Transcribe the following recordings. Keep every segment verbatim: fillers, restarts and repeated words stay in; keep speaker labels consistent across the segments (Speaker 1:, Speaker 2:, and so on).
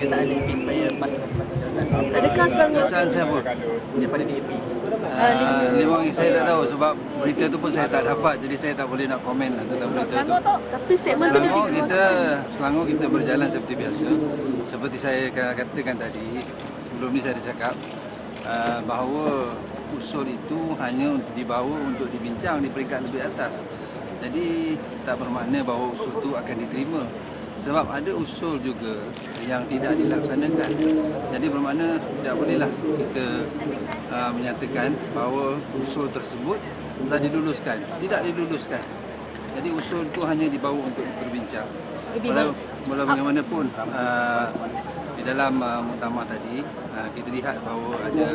Speaker 1: kesaan D A P supaya PAS jawatan.
Speaker 2: Adakah Selangor
Speaker 3: Kesalahan saya apa?
Speaker 1: Daripada D A P.
Speaker 3: Uh, memang saya tak tahu sebab berita tu pun saya tak dapat, jadi saya tak boleh nak komen lah tentang berita tu.
Speaker 2: tapi statement tu
Speaker 3: Selangor kita, Selangor kita berjalan seperti biasa. Seperti saya katakan tadi, sebelum ni saya dah cakap uh, bahawa usul itu hanya dibawa untuk dibincang di peringkat lebih atas. Jadi tak bermakna bahawa usul itu akan diterima. Sebab ada usul juga yang tidak dilaksanakan. Jadi bermakna tidak bolehlah kita uh, menyatakan bahawa usul tersebut telah diluluskan. Tidak diluluskan. Jadi usul itu hanya dibawa untuk berbincang. Walau, walau bagaimanapun uh, di dalam uh, muktamar tadi uh, kita lihat bahawa ada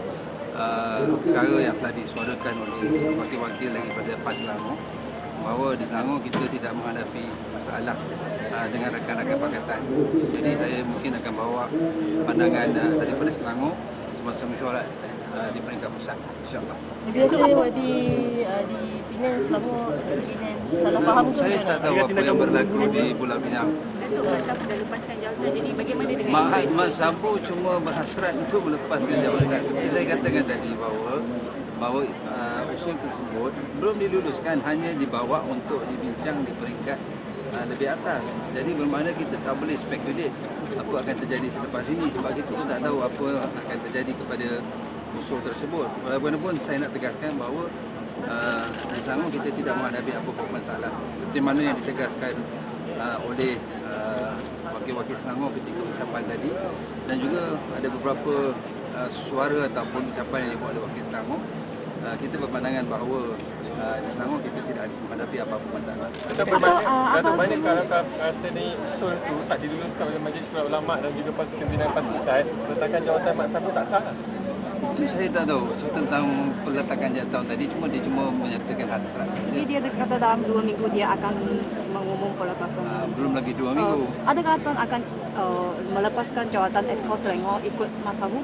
Speaker 3: uh, perkara yang telah disuarakan oleh wakil-wakil daripada PAS Selangor, bahawa di Selangor kita tidak menghadapi masalah uh, dengan rakan-rakan pakatan. Jadi saya mungkin akan bawa pandangan uh, daripada Selangor semasa mesyuarat uh, di peringkat pusat, insya-Allah.
Speaker 2: Biasanya di uh, di Penang Selangor Penang salah faham ke?
Speaker 3: Saya tak tahu apa yang berlaku di Pulau Pinang.
Speaker 4: Datuk Mat Sabu dah lepaskan jawatan, jadi bagaimana dengan
Speaker 3: Mat
Speaker 4: isu-isu
Speaker 3: Mat Sabu cuma berhasrat untuk melepaskan jawatan. Seperti saya katakan tadi bahawa bahawa uh, usul tersebut belum diluluskan, hanya dibawa untuk dibincang di peringkat uh, lebih atas. Jadi bermakna kita tak boleh spekulate apa akan terjadi selepas ini sebab kita pun tak tahu apa akan terjadi kepada usul tersebut. Walaupun saya nak tegaskan bahawa uh, di Selangor kita tidak menghadapi apa-apa masalah seperti mana yang ditegaskan uh, oleh uh, wakil-wakil Selangor ketika ucapan tadi, dan juga ada beberapa uh, suara ataupun ucapan yang dibuat oleh wakil Selangor. Uh, kita berpandangan bahawa uh, di Selangor kita tidak menghadapi apa-apa masalah.
Speaker 5: Datuk, banyak kalau kata ni usul tu tak diluluskan oleh Majlis Syura Ulama dan juga PAS Pimpinan PAS Pusat, peletakan jawatan Mat Sabu tak sah?
Speaker 3: Itu saya tak tahu. So, tentang peletakan jawatan tadi cuma dia cuma menyatakan hasrat saja.
Speaker 6: Jadi dia kata dalam dua minggu dia akan mengumum peletakan.
Speaker 3: Uh, belum lagi dua minggu.
Speaker 6: Uh, adakah Tuan akan uh, melepaskan jawatan Esko Selangor ikut Mas Sabu?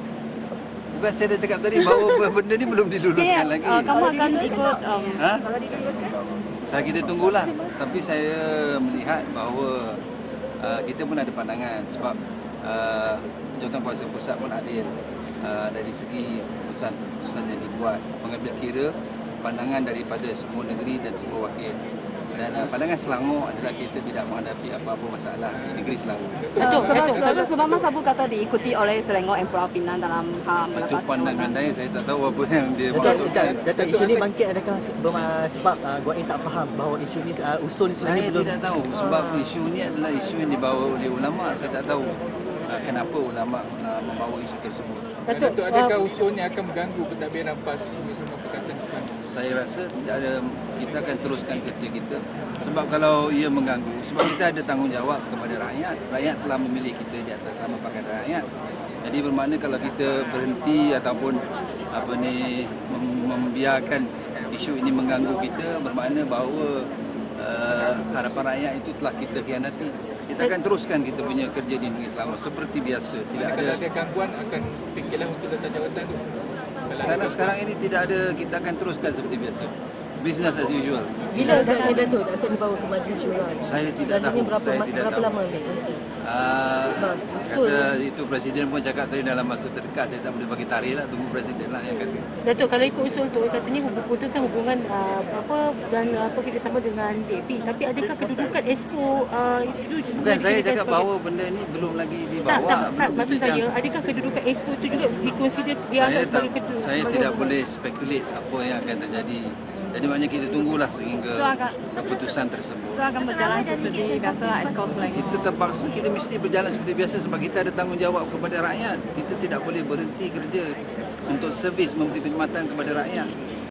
Speaker 3: Bukan saya dah cakap tadi bahawa benda ni belum diluluskan
Speaker 6: okay,
Speaker 3: lagi.
Speaker 6: Uh, kamu akan ikut um,
Speaker 3: ha?
Speaker 4: kalau diluluskan?
Speaker 3: Saya kita tunggulah. Tapi saya melihat bahawa uh, kita pun ada pandangan sebab uh, Jawatankuasa Pusat pun adil uh, dari segi keputusan-keputusan yang dibuat, mengambil kira pandangan daripada semua negeri dan semua wakil. Dan uh, pandangan Selangor adalah kita tidak menghadapi apa-apa masalah di negeri Selangor.
Speaker 6: Uh, sebab, sebab, sebab Mas Sabu kata diikuti oleh Selangor dan Pulau Pinang dalam hal
Speaker 3: Itu
Speaker 6: melepaskan
Speaker 3: pandangan
Speaker 6: jawatan.
Speaker 3: saya, saya tak tahu apa yang dia
Speaker 1: Datuk,
Speaker 3: maksudkan.
Speaker 1: Datuk, isu ni bangkit adakah berma- sebab uh, Guain tak faham bahawa isu ni uh, usul ni
Speaker 3: Saya
Speaker 1: sebenarnya belum
Speaker 3: tidak tahu sebab isu ni adalah isu yang dibawa oleh ulama. Saya tak tahu uh, kenapa ulama uh, membawa isu tersebut.
Speaker 5: Datuk, adakah usul ni akan mengganggu pentadbiran PAS Pimpinan Pakatan Islam?
Speaker 3: Saya rasa tidak ada, kita akan teruskan kerja kita sebab kalau ia mengganggu, sebab kita ada tanggungjawab kepada rakyat. Rakyat telah memilih kita di atas nama Pakatan Rakyat. Jadi bermakna kalau kita berhenti ataupun apa ni mem- membiarkan isu ini mengganggu kita, bermakna bahawa uh, harapan rakyat itu telah kita khianati. Kita akan teruskan kita punya kerja di negeri Selangor seperti biasa. Tidak
Speaker 5: Kalau
Speaker 3: ada
Speaker 5: ada gangguan akan fikirlah untuk letak jawatan tu.
Speaker 3: sekarang sekarang ini tidak ada, kita akan teruskan seperti biasa. Business as usual.
Speaker 2: bila sekarang Datuk akan dibawa ke Majlis Syura?
Speaker 3: Saya tidak
Speaker 2: Selalunya
Speaker 3: tahu.
Speaker 2: berapa,
Speaker 3: Saya tidak
Speaker 2: berapa
Speaker 3: tahu.
Speaker 2: lama ambil masa?
Speaker 3: Uh,
Speaker 2: Sebab usul-
Speaker 3: kata itu Presiden pun cakap tadi dalam masa terdekat. Saya tak boleh bagi tarikh lah, tunggu Presiden lah yang kata.
Speaker 2: Datuk, kalau ikut usul tu katanya hubung putuskan hubungan uh, apa dan apa kerjasama dengan D A P, tapi adakah kedudukan Esko uh, itu
Speaker 3: Bukan saya
Speaker 2: dijadikan
Speaker 3: cakap
Speaker 2: sebagai-
Speaker 3: bahawa benda ni belum lagi
Speaker 2: tak,
Speaker 3: dibawa.
Speaker 2: tak, tak,
Speaker 3: belum
Speaker 2: maksud
Speaker 3: dibincang.
Speaker 2: saya, adakah kedudukan Esko itu juga dikonsider
Speaker 3: Saya
Speaker 2: dianggap
Speaker 3: tak,
Speaker 2: sebagai kedudukan?
Speaker 3: saya tidak boleh spekulate apa yang akan terjadi. Jadi maknanya kita tunggulah sehingga
Speaker 6: So, akan-
Speaker 3: keputusan tersebut.
Speaker 6: So akan berjalan seperti biasa Esko Selangor.
Speaker 3: Kita terpaksa, kita mesti berjalan seperti biasa sebab kita ada tanggungjawab kepada rakyat. Kita tidak boleh berhenti kerja untuk servis, memberi perkhidmatan kepada rakyat.